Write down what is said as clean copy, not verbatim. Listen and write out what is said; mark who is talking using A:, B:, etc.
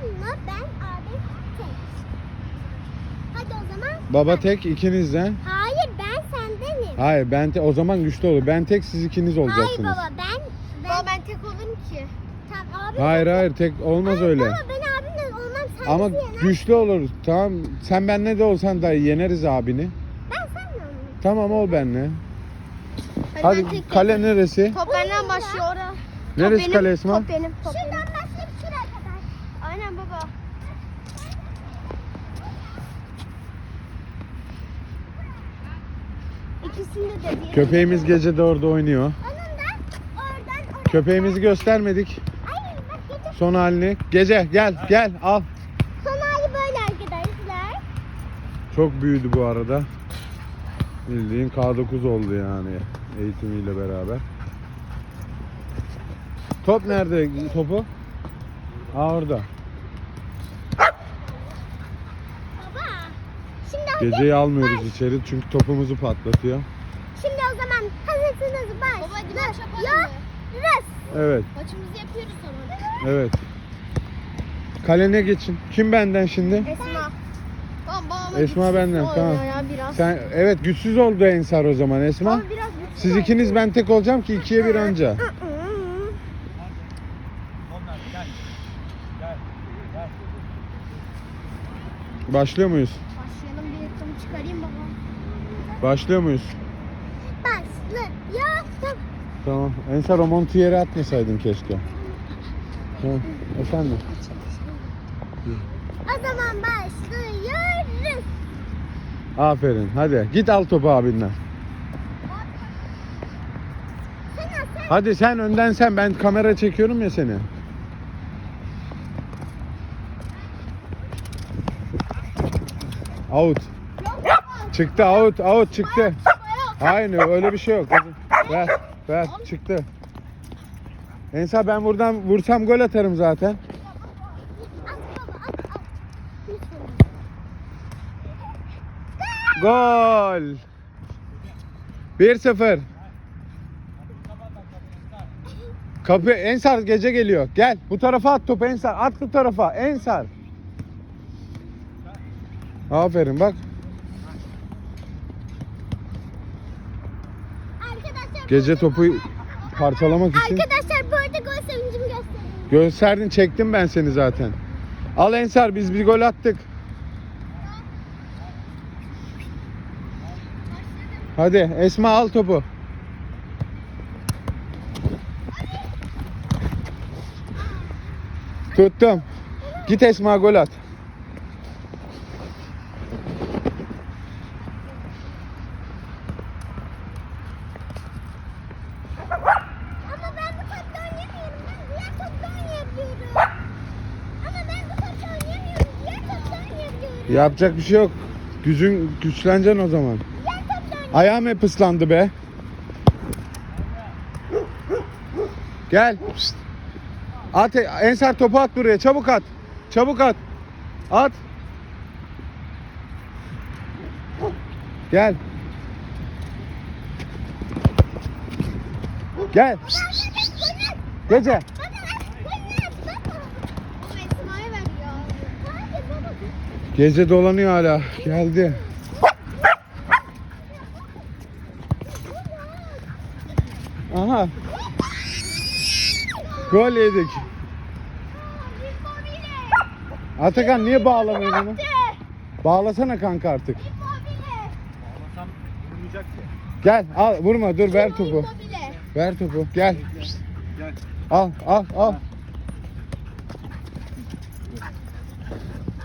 A: babamla ben abi tek. Hadi o zaman.
B: Baba tek, ikiniz de.
A: Hayır ben sendenim.
B: Hayır ben o zaman güçlü olur. Ben tek, siz ikiniz
A: Hayır
B: olacaksınız.
A: baba Baba ben tek olurum ki. Tamam abi.
B: Hayır tek olmaz öyle.
A: Baba ben abimle olmam sen
B: Ama
A: bizi yener.
B: güçlü olur. Tamam sen benle de olsan da yeneriz abini.
A: Ben seninle olayım.
B: Tamam ol benle.
C: ben
B: Hadi
C: tek
B: kale neresi?
C: Top benden başlıyor orada.
B: Neresi kale Esma?
C: Top benim. Top
A: Şuradan
C: benim.
A: başlayıp şuraya kadar.
C: Aynen baba. İkisinde de bir.
B: Köpeğimiz gece de orada oynuyor.
A: Onun da oradan.
B: Köpeğimizi göstermedik.
A: Ay bak gece
B: Son halini. Gece gel al.
A: son hali böyle arkadaşlar.
B: Çok büyüdü bu arada. Bildiğin K9 oldu yani eğitimiyle beraber. Top nerede topu? Aa orada.
A: Baba. Şimdi
B: Geceyi almıyoruz içeri çünkü topumuzu patlatıyor.
A: Şimdi o zaman hazırsınız baş.
C: Baba, hadi maç yapalım mı?
A: Yapıyoruz.
B: Evet,
C: Maçımızı yapıyoruz sonra.
B: evet. Kalene geçin. Kim benden şimdi?
C: Esma. Tamam
B: Esma benden, tamam.
C: Ya biraz.
B: Sen evet güçsüz oldu Ensar o zaman Esma.
C: Ama biraz güçlü
B: Siz
C: oldu.
B: ikiniz ben tek olacağım ki 2'ye 1 anca. Başlıyor muyuz?
C: Başlayalım, bir yakın çıkarayım baba.
B: Başlıyor muyuz?
A: Başlıyorum.
B: Tamam. Ensar o montu yere atmasaydın keşke. Ha, efendim.
A: O zaman başlıyoruz.
B: Aferin. Hadi git al topu abinden.
A: Sen
B: Hadi sen önden sen. Ben kamera çekiyorum ya seni. Out. Çıktı out çıktı. Hayır öyle bir şey yok. Ver çıktı. Ensar ben buradan vursam gol atarım zaten.
A: at baba at. Lütfen.
B: Gol. 1-0. Kapı Ensar gece geliyor. Gel bu tarafa at topu Ensar. At bu tarafa Ensar. Aferin bak.
A: Arkadaşlar
B: Gece topu parçalamak için
A: Arkadaşlar bu arada gol sevincimi göstereyim.
B: gösterdin çektim ben seni zaten. Al Ensar biz bir gol attık. Hadi Esma al topu. Tuttum. Git Esma gol at.
A: Ama ben bu topta oynamıyorum. Ben diğer topta oynayabiliyorum. Ama ben bu topta oynamıyorum. Diğer topta oynayabiliyorum.
B: Yapacak bir şey yok. Güçleneceksin o zaman.
A: Diğer topta oynayabiliyorum.
B: Ayağım hep ıslandı be. Gel. Pişt. At Ensar topu at buraya. Çabuk at. Çabuk at. At. Gel. Gel. Pişt, pişt, pişt, pişt. Gece.
A: Baba baba.
C: Ama Esma'ya ver ya.
A: Hadi baba.
B: Gece dolanıyor hala. Geldi. Aha. Gol yedik. Atakan niye bağlamıyorsun onu? Bağlasana kanka artık.
D: Bağlasam vurmayacak ki.
B: Gel al vurma dur ver topu.
C: Immobile.
B: Ver topu gel.
D: Gel.
B: Al.